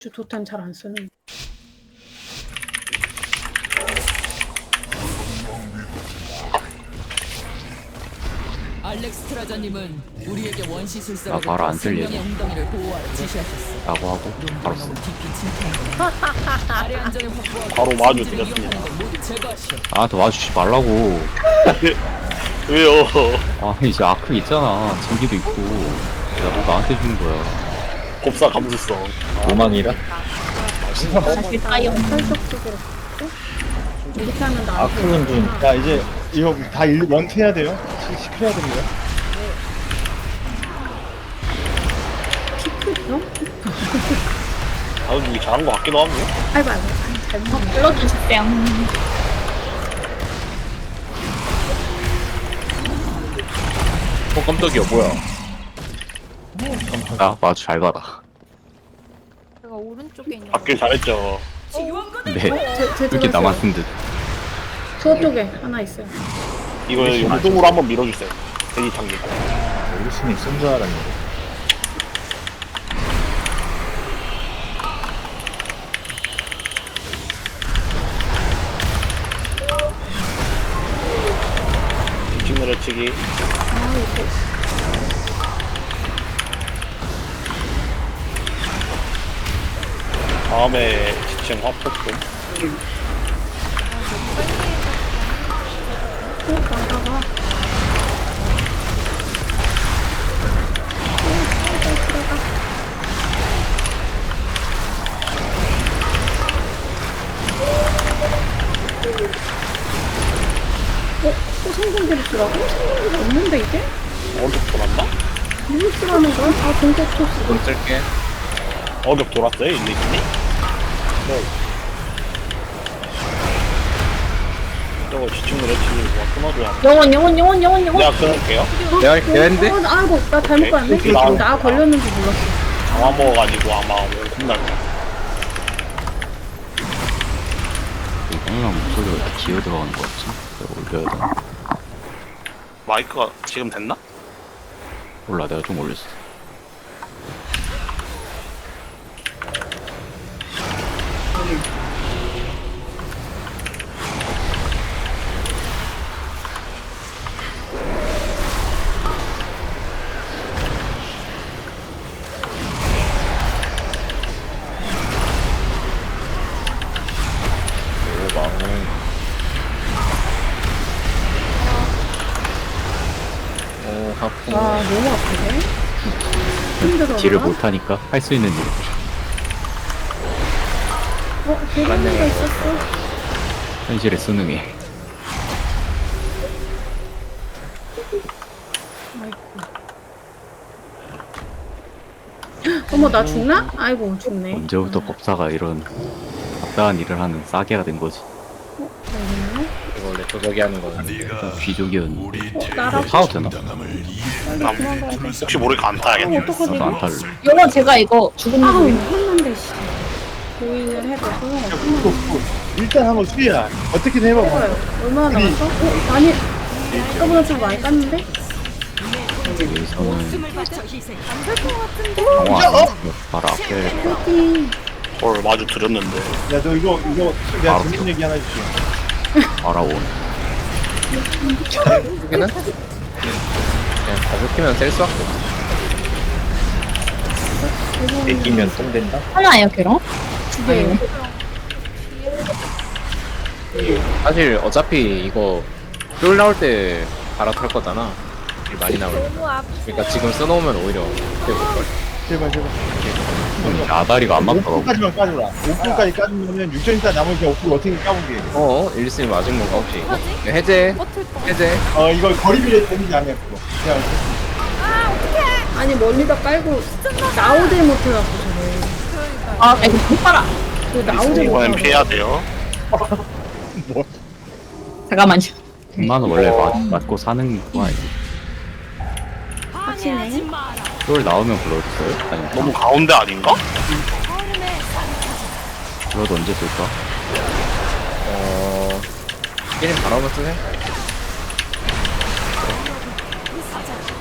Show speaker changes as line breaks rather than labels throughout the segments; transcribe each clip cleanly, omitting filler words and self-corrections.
도탄 잘 안 쓰는.
알렉스트라자님은 우리에게 원시술사로
나 바로 안 들리네.
생명의 웅덩이를 보호하라 지시하셨어.
라고 하고 바로 써.
깊이 침투한 아래 안정을 확보하고
바로 마주
생지를
드렸습니다.
이용하는 걸 모두 제거하시오.
나한테 와주지 말라고.
왜요?
아 이제 아크 있잖아. 전기도 있고. 나한테 주는 거야.
곱사 감수성.
도망이라?
사실 다 영탈적 속으로 갔고 이렇게 하면 나.
아크는 좀. 야, 이제 이거 다 원트 해야 돼요? 시켜야 됩니다.
피크요?
다들 잘한 것 같기도 하고.
아이고 잘못
불러주세요.
깜짝이야, 뭐야.
나 마주 잘 가라.
제가 오른쪽에 있는
받길 잘했죠.
근데 이렇게 남았는 듯.
저쪽에 하나 있어요.
이거 용동으로 한번 밀어주세요. 대기 장기.
어르신이 쓴 줄 알았는데.
직 내려치기. 다음에 지층 화폭도.
나가봐. 또 성공드리더라고? 성공이 없는데 이게?
어격 돌았나?
무엇이라는 거야? 아 공격 토스.
돈 쓸게.
어격 돌았어요, 일리님이? 네. 저거 지층 내려치기 누가 끊어줘야
영원.
내가 끊을게요.
내가 했는데?
아이고 나 잘못
오케이.
봤네.
오케이, 나왔다.
나 걸렸는지 몰랐어.
강화 먹어가지고 아마 혼날 거야.
이거랑 목소리가 이렇게 기어 들어가는 거 같지? 내가 올려야 되나?
마이크가 지금 됐나?
몰라 내가 좀 올렸어.
오, 하프.
와 너무 아프네. 힘들어.
딜을 못하니까 할 수 있는 일.
대단한 있었어.
현실에 수능해.
어머 나 죽나? 아이고 죽네.
언제부터 법사가 이런 답답한 일을 하는 싸게가 된 거지.
이거 원래 도적이 하는 거는.
좀 귀족이었는데.
나라고.
타도 되나?
혹시 모르니까 안 타야겠네.
어떡하지?
나도 안 탈래.
영원 제가 이거 죽은
아우
거
했는데 씨. 고인을 해도 소용없구나.
일단 한번 수리야. 어떻게든 해봐.
해봐요. 얼마나 남았어? 많이. 아까보다 좀 많이 깠는데?
여기서는
어머!
강화 바로 앞에
파이팅!
헐, 마주 드렸는데.
야, 너 이거 내가
바로
재밌는 얘기 하나 해줄게.
알아온.
여기는 그냥 가볍게만 셀 수밖에 없어. 이기면 똥 된다.
하나예요, 걔랑?
두 개예요.
사실 어차피 이거 쫄 나올 때 갈아탈 거잖아. 딜 많이 나오니까. 그러니까 지금 써놓으면 오히려 되볼걸.
제발.
아다리가 안 맞더라고.
5분까지만 까줘라. 5분까지 까주면 6전 있다 남으니까 5분 어떻게 까보게.
1승 맞은 건가 혹시? 해제.
이거 거리비례 되는지 아니야 그거. 그냥
아니 멀리다 깔고 나오질 못해갖고 저래.
아, 이거 못 봐라.
그 나오질
이번엔
못하고.
피해야 돼요.
잠깐만요.
엄마는 원래 맞고 사는 거 아니지?
확실해.
그걸 나오면 불러줬어요? 아니
너무 가운데 아닌가?
불러도 언제 쓸까?
게임 바로 쓰네.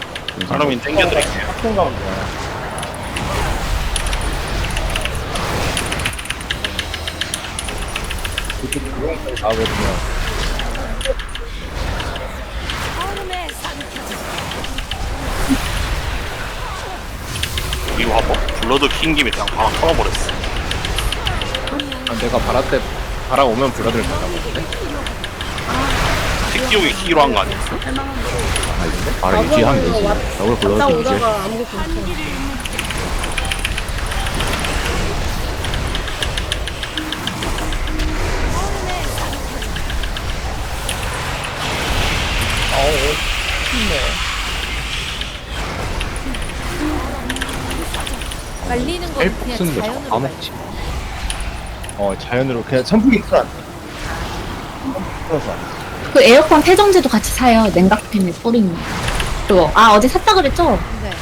그러면 땡겨드릴게요.
학생 가면 돼. 그쪽 조용까지 나오거든요.
이거 한번 블러드 킨 김에 그냥 바람 털어버렸어.
아, 내가 바라 오면 불러들 된다 보는데.
택기용이 키로 한 거 아니었어?
바로 유지하면 되지. 저걸
갔다
불러서 유지.
오다가 아무것도 못해.
말리는 건
헬프
그냥
쓰는 거
자연으로
다
말려.
먹지.
자연으로 그냥 선풍기 틀어. 틀어서.
그 에어컨 세정제도 같이 사요. 냉각팬에 뿌리는 그거. 아 어제 샀다 그랬죠?
네.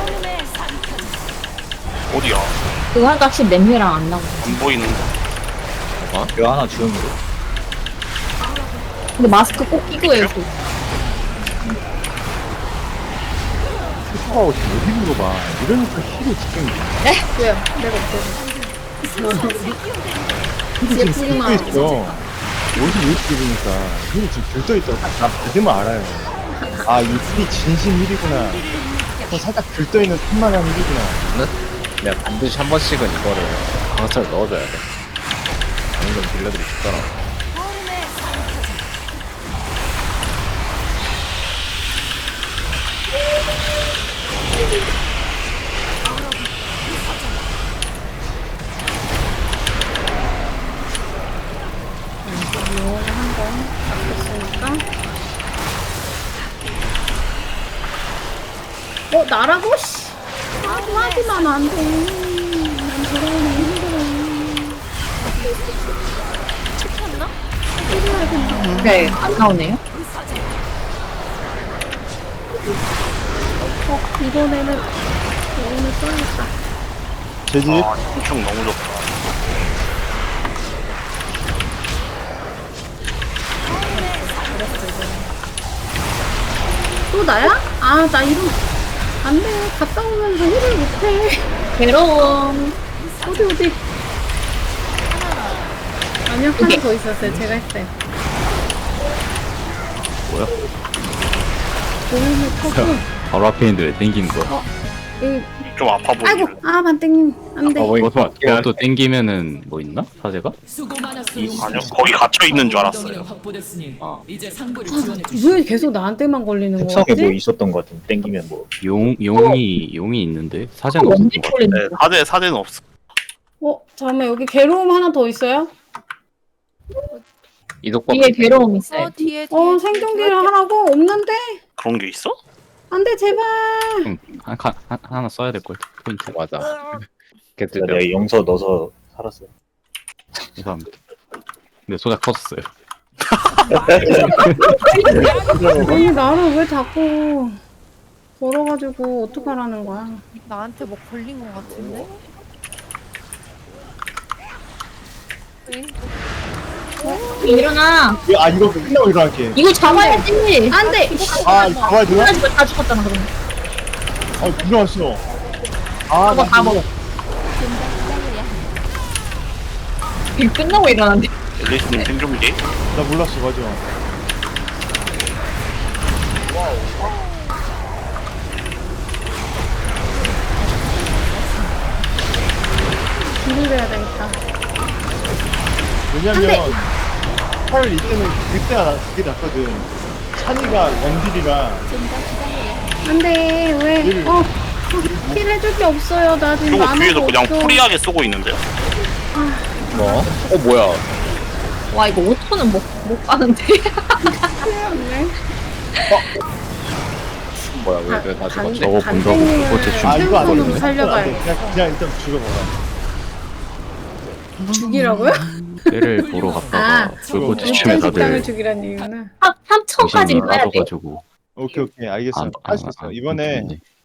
어디야?
그거 하니까 확실히 냄새랑 안 나고.
안 보이는 거.
이거 하나 주영으로.
근데 마스크 꼭 끼고 해요. 그.
슈퍼하고 지금 어디 물어봐. 이러니까 힐을 지금
왜요? 내가 없어서.
들떠 있어. 옷이 왜 이렇게 입으니까 힐이 지금 들떠있다고 나 믿으면 알아요. 아, 이 힐이 진심 힐이구나. 살짝 들떠있는 틈만한 힐이구나.
내가 반드시 한 번씩은 이거를 강철 넣어줘야 돼. 아니면 딜러들이 죽더라.
나라고? 씨. 나도 하지만 안 돼. 난 저러면 힘들어.
네, 안 나오네요.
이번에는 오늘 써야겠다.
제집
아, 엄청 너무 좋다.
또 나야? 아, 나 이런. 안 돼. 갔다 오면서 일을 못해.
괴로움.
어디. 아니요, 하나 더 있었어요. 제가 했어요.
뭐야?
고민을 터고.
바로 앞에 있는데 왜 땡기는 거야?
좀 아파
아이고,
보이네.
아, 반땡님. 안 돼.
그것도 땡기면은 뭐 있나? 사제가?
수고 많았어요.
아니요, 거기 갇혀 있는 줄 알았어요.
확보됐으니
아.
이제 상부를 지원해 주시오.
왜 계속 나한테만 걸리는
특성에
거지?
뭐 있었던 것 같은 땡기면 뭐
용이 있는데 사제는 없는
원딜
것 같아.
콜리는
네, 사제는 없어.
잠깐만, 여기 괴로움 하나 더 있어요?
이독법
뒤에 괴로움 있어요.
뒤에
생존기를 하라고? 없는데?
그런 게 있어?
안 돼, 제발.
하나 써야 될 걸. 포인트.
맞아. 걔들
내가 영서 넣어서 살았어요.
죄송합니다. 근데 소작 터졌어요.
아니, 나를 왜 자꾸 걸어가지고 어떡하라는 거야?
나한테 뭐 걸린 것 같은데?
일어나.
이거 끝나고 일어날게.
이거 잡아야지.
안 돼!
잡아야 되나?
일어나지 다 죽었잖아 그러면.
일어났어.
잡아 다 먹어. 이거 끝나고 일어난대.
엘리스님 생존기?
나 몰랐어, 맞아.
딜을 해야 되겠다.
왜냐면 차라리 이때는 그때가 그게 낫거든. 찬이가 원딜이라
안 돼, 왜? 힐 해줄 게 없어요. 나 지금
그리고
만화가
뒤에서 그냥
없어.
프리하게 쏘고 있는데요.
뭐? 뭐야?
와 이거 5천은 못 가는데.
없네.
뭐야? 왜나 죽었지?
저거 본다고
간땡이를
그거 대충
이거 안
생존으로
되네.
살려봐야겠어.
그냥 일단 죽여봐라.
죽이라고요?
때를 보러 갔다가 불꽃
일단
지침에
식당을
다들
죽이란 이유는.
3천까지
정신을
가야 돼.
놔둬가지고
오케이 알겠어. 할 수 있어. 이번에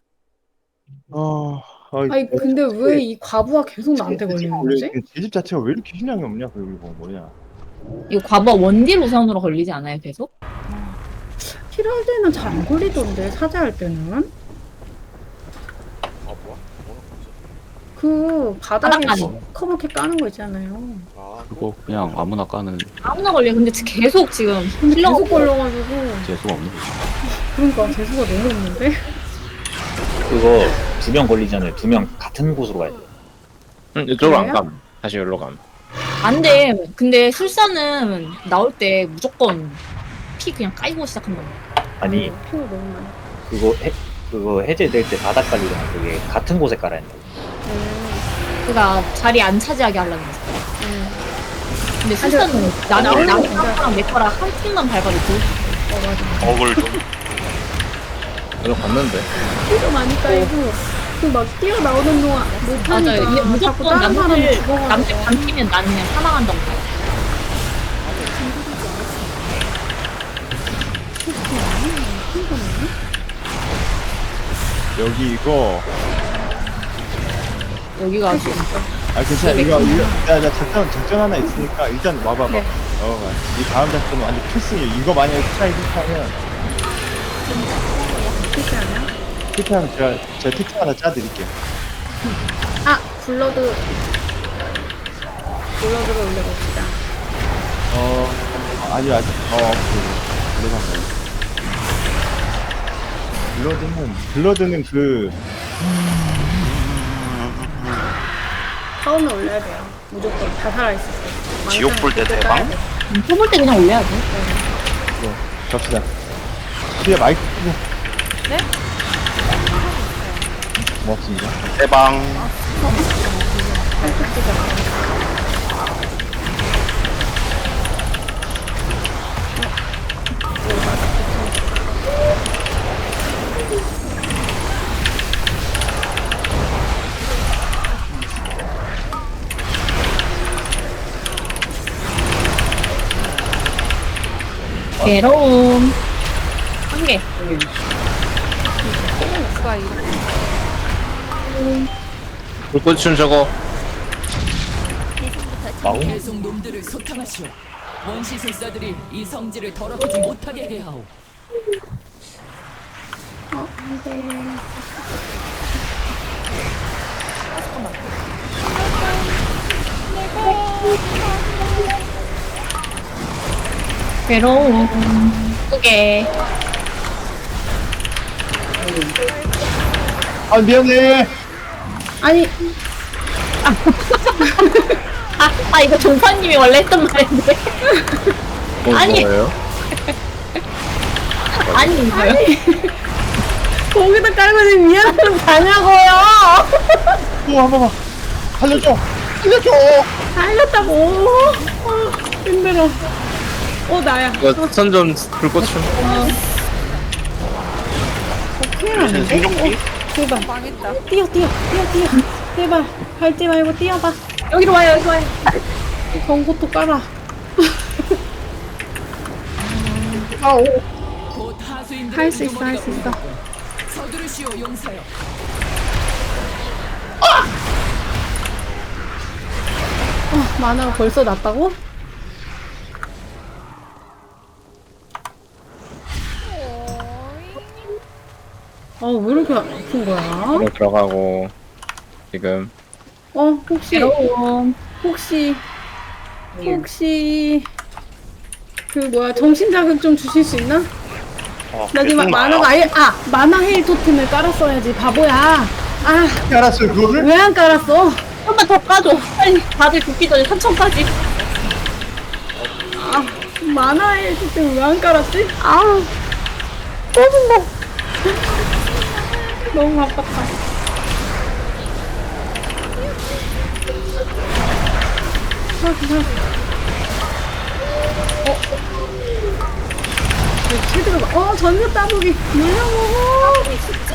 아니, 근데 왜 이 과부하 계속 나한테 걸리는 거지?
제집 자체가 왜 이렇게 힘량이 없냐? 그리고 뭐냐?
이거 과거 원딜 우선으로 걸리지 않아요 계속?
힐할 때는 잘 안 걸리던데, 사자할 때는. 그 바닥에
바닥까지.
커멓게 까는 거 있잖아요.
그거 그냥 아무나 까는
아무나 걸려. 근데 계속 지금
근데
힐러가
계속 걸려가지고
재수가 없는 거지.
그러니까 재수가 너무 없는데.
그거 2명 걸리잖아요. 2명 같은 곳으로 가야 돼.
이쪽으로 안
그래요?
감. 다시 여기로 감.
안 돼. 근데 술사는 나올 때 무조건 피 그냥 까이고 시작한다.
아니
피가 너무 많아.
그거 해제될 때 바닥 깔리잖아. 그게 같은 곳에 깔아야 된다.
그러니까 자리 안 차지하게 하려는 거지. 근데 술사는
나오는
나랑
거 진짜-
내 거랑 한 팀만 밟아도 돼.
억을 좀.
여기로 갔는데.
피가 많이 까이고 그 막 뛰어나오는 동안
맞아요. 이게
못하니까 자꾸
무조건
다른 사람이
남들
죽어가지고.
반피면 나는 그냥 사망한다고 봐요.
여기 이거
여기가 지금
아 괜찮아 이거 나 작전 하나 있으니까 일단 와봐봐.
네.
이 다음 작전은 완전 필승이에요. 이거 만약에 스타일 실패하면
실패하면?
실패하면 제가 특징 하나 짜드릴게요.
아 블러드를 올려봅시다.
아직 블러드는 그
처음에 올려야 돼요. 무조건 다 살아있을 때.
지옥 불때 대박?
뽑을 때 그냥 올려야 돼.
갑시다. 뒤에 마이크 끄고.
네?
고맙습니다.
대방.
괴로움. 한 개.
누가 이렇게
불꽃춤 저거.
계속 놈들을 소탕하시오. 원시술사들이 이 성질을 더럽히지 못하게 해야 하오.
괴로움. 두 개.
아 미안해.
아니
이거 종파님이 원래 했던 말인데. 아니.
뭐예요?
아니, 이거요?
거기다 깔고 지금 미안한 가냐고요.
한 번만 살려줘.
살렸다고. 힘들어. 나야.
이거 선좀 불꽃춤.
큰일 났는데?
생존기?
제발.
망했다.
뛰어. 제발. 밟지 말고 뛰어봐.
여기로 와요, 여기로 와요.
경고도 깔아.
곧 하수인들의
할 수 있어, 할 수 있어.
서두르시오 용사여.
만화가 벌써 났다고? 왜 이렇게 아픈 거야?
이거 들어가고 지금
혹시,
괴로움.
혹시, 그 정신 자극 좀 주실 수 있나? 나 지금 만화가 만화 헤일 토템을 깔았어야지, 바보야.
알았어요 그거를?
왜 안 깔았어?
한번 더 까줘. 빨리 다들 죽기 전에 3천까지.
만화 헤일 토템을 왜 안 깔았지?
꺼진다.
너무 아깝다. 체드가 전세 따보기 물려먹어.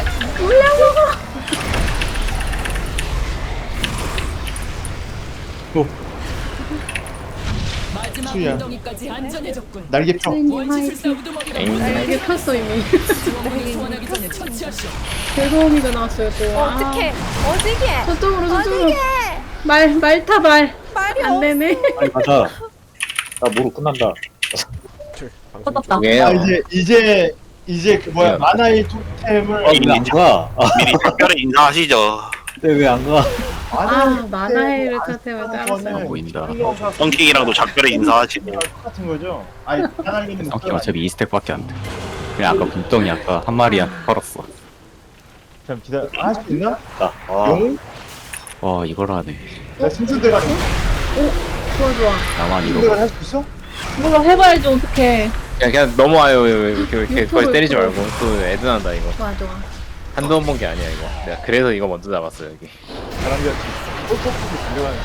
마지막
수야.
엉덩이까지 안전해졌군.
날개 펴.
원시술사 우두머리가
이게 탔어 이미.
지원군을 소환하기 전에 처치하시오.
괴로움이가 나왔어요 또.
어떡해. 어디게?
저쪽으로.
어디게?
말타 말.
말이
안 되네.
빨리 가자. 나 모로 끝난다.
꺼졌다.
이게
이제 그 뭐야
네.
만화의 토템을
왜안 가?
미리 특별히 인사하시죠.
왜 안 가?
아, 만화의 토템을
안
깔았어요.
보인다.
썬킹이랑도 작별에 인사하시고.
똑같은 거죠? 아니 나가리는
성격 어차피 2스택밖에 안 돼. 그냥 아까 붕덩이 아까 한 마리한테 털었어.
잠 기다려. 할 수 있나?
아,
용?
와 이걸 하네.
나 승수대가
좋아, 좋아.
나만 이거
승수대가 할 수 있어?
뭐라 해봐야지, 어떡해.
그냥 넘어와요. 이렇게 거의
유튜브
때리지
유튜브.
말고 또 애드난다 이거.
좋아, 좋아.
한두 번 본 게 아니야 이거. 내가 그래서 이거 먼저 잡았어 여기.
사람들 꼴꼴꼴 달려가는.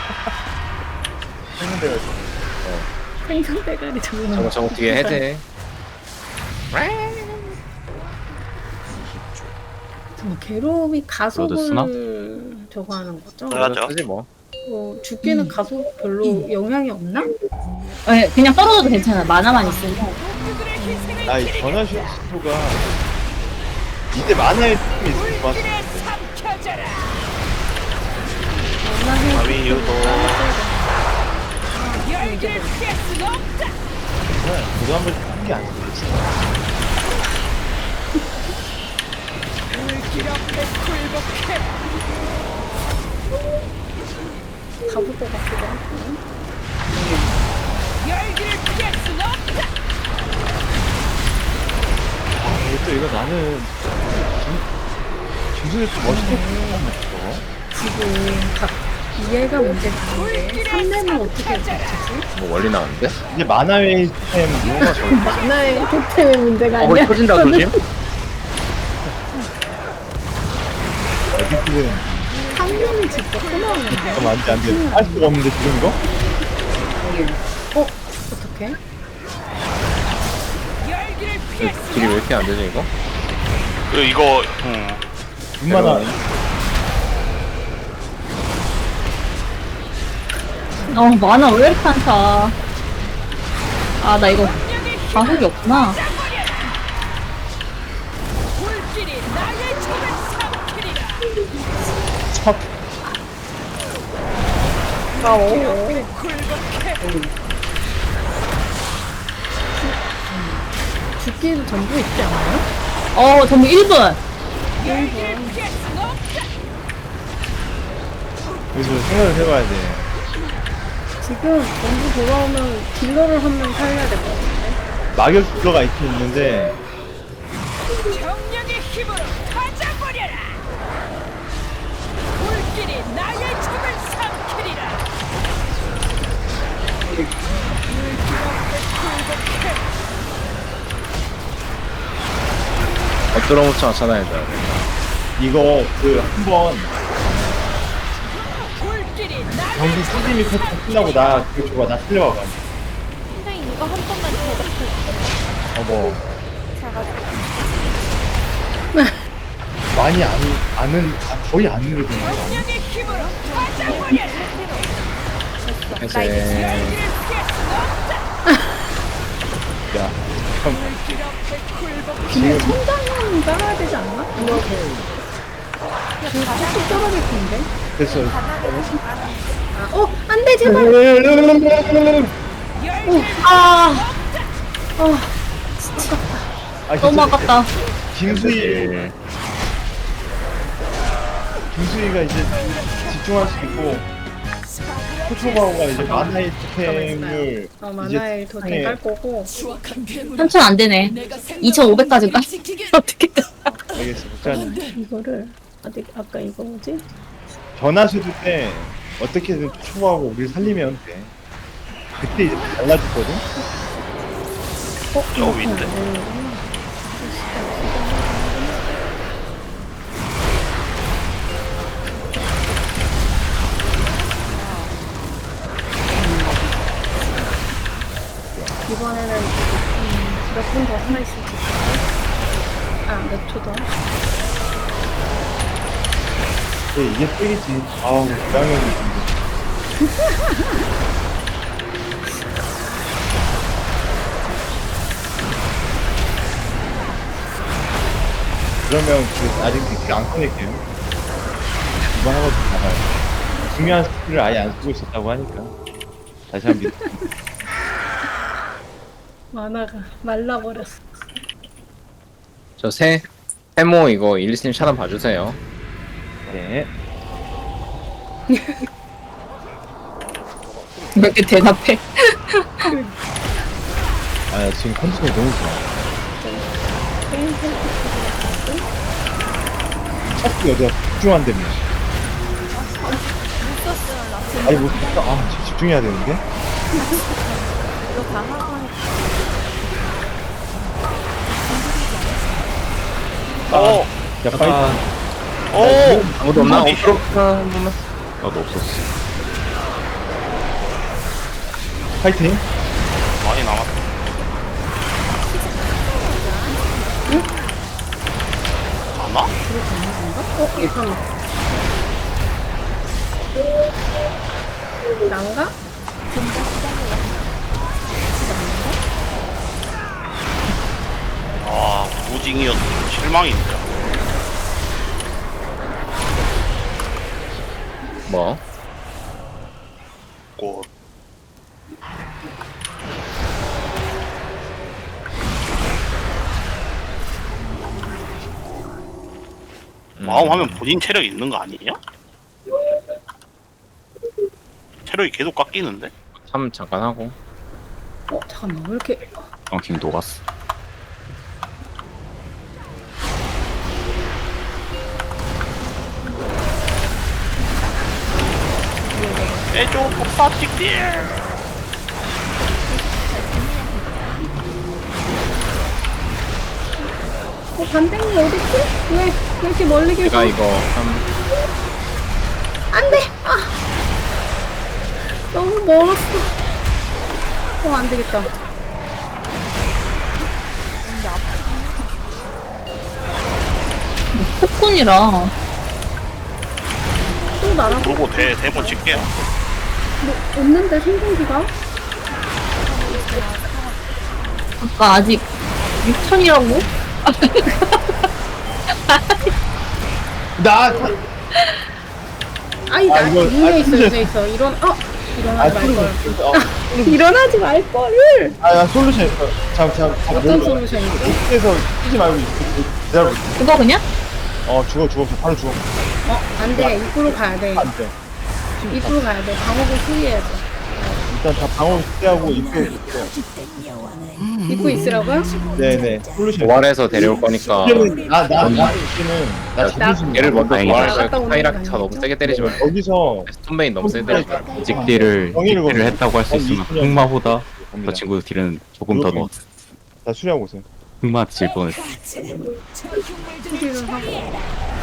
승수대가 있어.
생선 대가리 잡는
저거 뒤에 해제.
정말 괴로움이
그러드 쓰나?
가속을 저거 하는 거죠?
해야죠.
쓰지 뭐.
죽기는 가속 별로 영향이 없나?
네, 그냥 떨어져도 괜찮아. 만화만 있으면.
아이 전화 슈트가 이때 만화의 팀이 있을 것 같아.
아미 유도.
저도 한번 한게 아니고
가볼 것 같기도 하고.
또 이거 나는 김수재 좀 멋있게 보는
지금 이해가 문제가 있는데 3렘은 어떻게 잡지?
뭐 원리 나왔는데?
이제 만화의 템 이용가 저기
만화의 토템의 문제가
거기
아니야.
터진다 조심.
어디든
3렘이 진짜 끊어오는데.
좀 안돼 할 수가 없는데 지금 이거?
어떡해?
길이 왜 이렇게 안 되지 이거?
이거
눈만화
만화 왜 이렇게 많다. 아, 나 이거 가속이 없구나.
첫
죽기도 전부 있지 않아요?
전부 1분.
그래서 생각을 해봐야 돼.
지금 전부 돌아오면 딜러를 한 명 살려야 될 것 같은데.
막역 딜러가 있긴 있는데
정령의 힘으로 가져버려라. 불길이 나의 적을 삼키리라.
엎드려 묻혀 찾아야 돼.
이거 그 한번
불길이 나의
경기 시즌이 끝나고 나 그거 줘봐 나 틀려봐.
선생님 이거 한 번만 대답해.
뭐
제가
많이 거의 안 누르거든요.
정령의 힘으로 가져버려라.
해제.
야, 참
근데 천장은 깔아야 되지 않나? 이거 쭉 떨어질 텐데.
됐어.
안 돼, 제발!
너무 아깝다.
김수희가 이제 집중할 수 있고 코초바오가 이제 만화의 토템을
만화의 토템 깔 거고.
추악한 괴물.
3,000 안 되네. 2,500까지 가? 어떻게 돼?
알겠어. 자,
이거를 아까 이거 뭐지?
전화수도 때 어떻게든 초초바오가 우리를 살리면 돼. 그때 이제 달라졌거든.
저 위인데.
이번에는 몇 분 더 살아있을 수 있을까? 몇 초 더?
이게 쓰이지. 아우, 부당형이 있는데. 그러면 아직 스킬 안 꺼낼게요. 이번 하고 나가요. 중요한 스킬을 아예 안 쓰고 있었다고 하니까 다시 한번
만화가 말라버렸어.
저 세모 이거 일리스님 차단 봐주세요.
네.
왜 이렇게 대답해?
아 지금 컨디션이 너무 좋아. 자꾸 여자 집중한다며. 아니 뭐 진짜 집중해야 되는데?
이거 다 하고 하니까.
야 파이팅.
아무도 없나?
어디?
없어. 한 번만.
나도 없었어.
파이팅.
많이 남았다. 가나?
잠깐만. 난가?
아, 무징이었는데 실망인데.
뭐?
꽃. 마음 하면 본인 체력이 있는 거 아니냐? 체력이 계속 깎이는데?
참 잠깐 하고.
잠깐만, 왜 이렇게.
지금 녹았어.
애조 폭사 찍딜!
반댕이 어딨지? 왜 이렇게 멀리 계셔?
제가 이거 한
안 돼! 아! 너무 멀었어. 안 되겠다.
폭군이라.
또 나랑
그러고 대본 찍게요.
뭐 없는데 생존기가?
아까 아직 6천이라고?
나
아니, 나
이거-
위에 있어,
솔루션.
위에 있어. 일어나지 말걸.
솔루션.
일어나지 말걸!
나 솔루션 있어. 잠
어떤 솔루션이지?
여기에서 뛰지 말고 기다려.
그거 그냥?
죽어 바로 죽어.
안 돼. 입구로 가야 돼.
안 돼.
입구로 가야 돼. 방어구 수리해야지.
일단 다 방어 피하고 입구에 있어요.
입구 있으라고요?
네네. 솔루션.
도발해서 데려올 거니까
이제는 나 이제는 나
야,
진심.
얘를 먼저
다행이다.
갔다
도발해서
오는
타이락
거
차 너무
아니겠죠?
세게 때리지 말고
여기서
스톤베인 너무 세게 때리지 말고
찍딜을
정의를
했다고 할 수 있으면 흑마보다 저
갑니다.
친구 딜은 조금 더 넣었어.
다 수리하고 오세요.
흑마 질 뻔했어.
수리를 하고.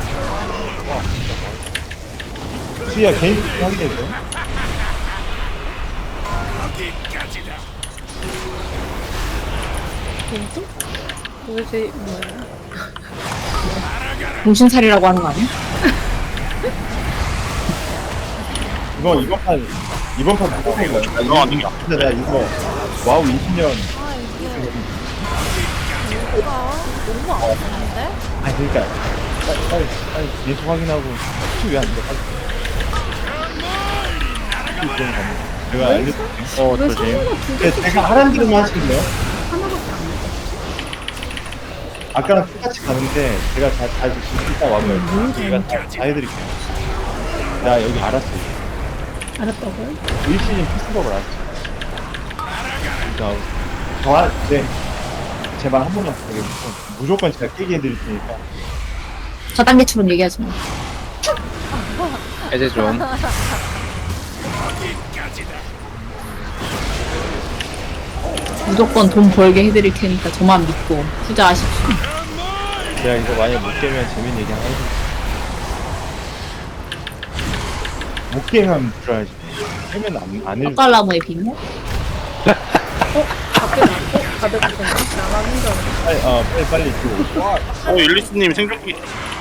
수리야 개인 확인해 줘.
왼쪽? 도대체 뭐야?
정신차리라고 하는 거 아니야?
이번 판 무조건 이거.
이거 아니야.
근데 내가 이거 와우 20년.
아, 이게. 뭐가 너무 아픈데?
아니 그러니까 빨리 계속 확인하고 혹시 왜안 돼? 내가 알려줄게.
왜
조심.
상어가 두
근데
개씩
제가 하라는 대로만 하시길래요?
하나밖에 안 돼?
아까랑 똑같이 가는데 제가 잘 이따 와면 제가 다 해드릴게요. 나 여기 알았어.
알았다고요?
1시즌 피스버걸 알았어. 네. 제발 한 번만 더 해주세요. 무조건 제가 깨게 해드릴 테니까.
저단계처럼 얘기하지 마.
해제 좀
무조건 돈 벌게 해드릴 테니까 저만 믿고 투자하십시오.
제가 이거 만약 못 깨면 재밌는 얘기 하나 해줄게요. 못 깨면 들어야지. 깨면 안 해줄.
떡갈나무의 비밀?
밖에 나고 가득한데 나가는 줄 알았어.
빨리 줘.
율리스님 생존기.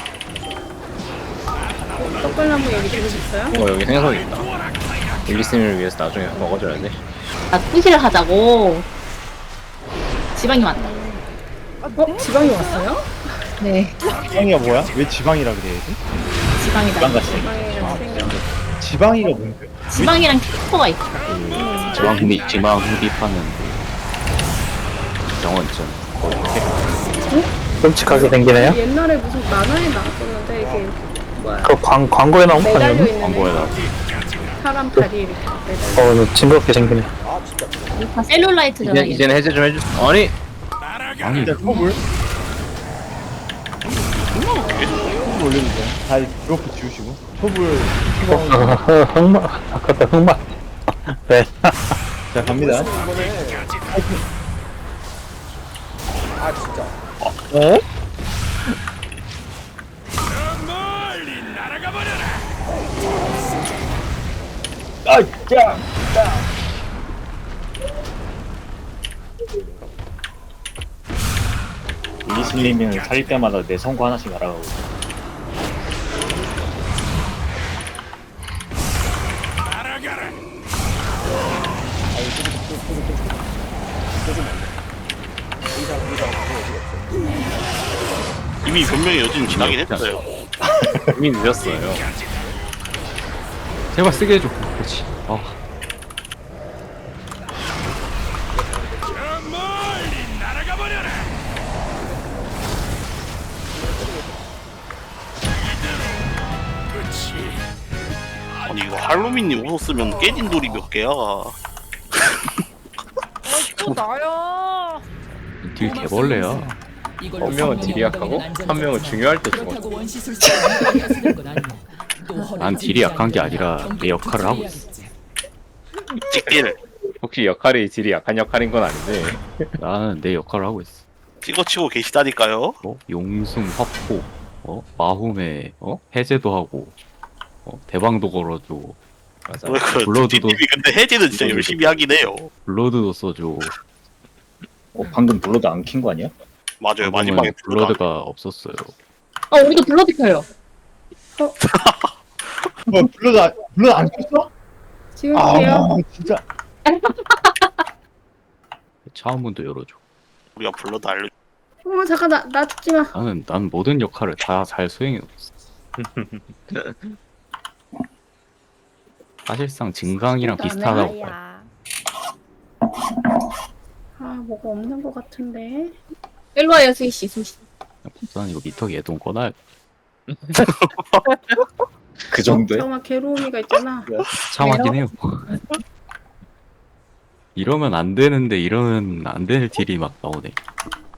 떡갈나무 얘기 들으셨어요?
여기 생선이 있다 윌리스님을 위해서 나중에 먹어줘야 돼
아, 투시를 하자고. 지방이 왔다.
지방이 왔어요?
네,
지방이가 뭐야? 왜 지방이라 그래야지?
지방이다.
지방이랑 생각.
지방이가 뭔데?
지방이랑 캐릭터가 있어.
지방 흡입하는 영원점.
끔찍하게 생기네요?
옛날에 무슨 만화에 나왔었는데 이게 뭐야
그 광고에 나온 거
매달려
아니었나?
있는
광고에다.
사람 다리 이렇게 매달려.
징그럽게 생기네.
다 셀룰라이트잖아.
이제는 해제 좀 해주. 아니
아니
진짜 컵을 올려주세요. 다 드로프 지우시고 톱을
흑마, 아깝다, 흑마. 네.
자 갑니다.
어?
아, 야,
리슬리밍을 살릴 때마다 내 성구 하나씩 날아가고 있어.
이미 변명의 여지는 지나긴 했어요.
이미 늦었어요.
제발 쓰게 해줘. 그렇지. 아.
아니 이거 할로윈님 웃었으면 깨진 돌이 몇 개야?
또 나야.
딜 개벌레야.
이걸로
한 명은
성능이
딜이 약하고
안전하지
한 명은 중요할 때
그렇다고
죽었어.
원시술사를 쓰는 건 아니야. 또
난 딜이 약한 게 아니라 내 역할을 하고 있어.
찍딜
혹시 역할이 딜이 약한 역할인 건 아닌데.
나는 내 역할을 하고 있어.
찍어치고 계시다니까요.
용숨 화포, 마훔에 해제도 하고, 대방도 걸어줘.
맞아.
왜 그
블러드도-
뒷님이 근데 해제는 진짜
블러드도-
열심히 하긴 해요.
블러드도 써줘.
방금 블러드 안 킨 거 아니야?
맞아요.
방금은
마지막에
블러드가 없었어요.
우리도 블러드 켜요.
뭐 블러드 안 켰어?
지울게요.
아, 진짜.
차원문도 열어줘.
우리가 블러드 알려.
잠깐 나 죽지 마.
난 모든 역할을 다 잘 수행해 놓았어. 사실상 증강이랑 비슷하다고 봐요.
나야.
뭐가 없는 것 같은데.
일로 와요, 스위씨, 스위씨.
난 이거 미터 예동 꺼놔야 돼.
그 정도에?
잠깐만 괴로움이가 있잖아.
참하긴 해요. 이러면 안 되는데 이러면 안 되는 딜이 막 나오네.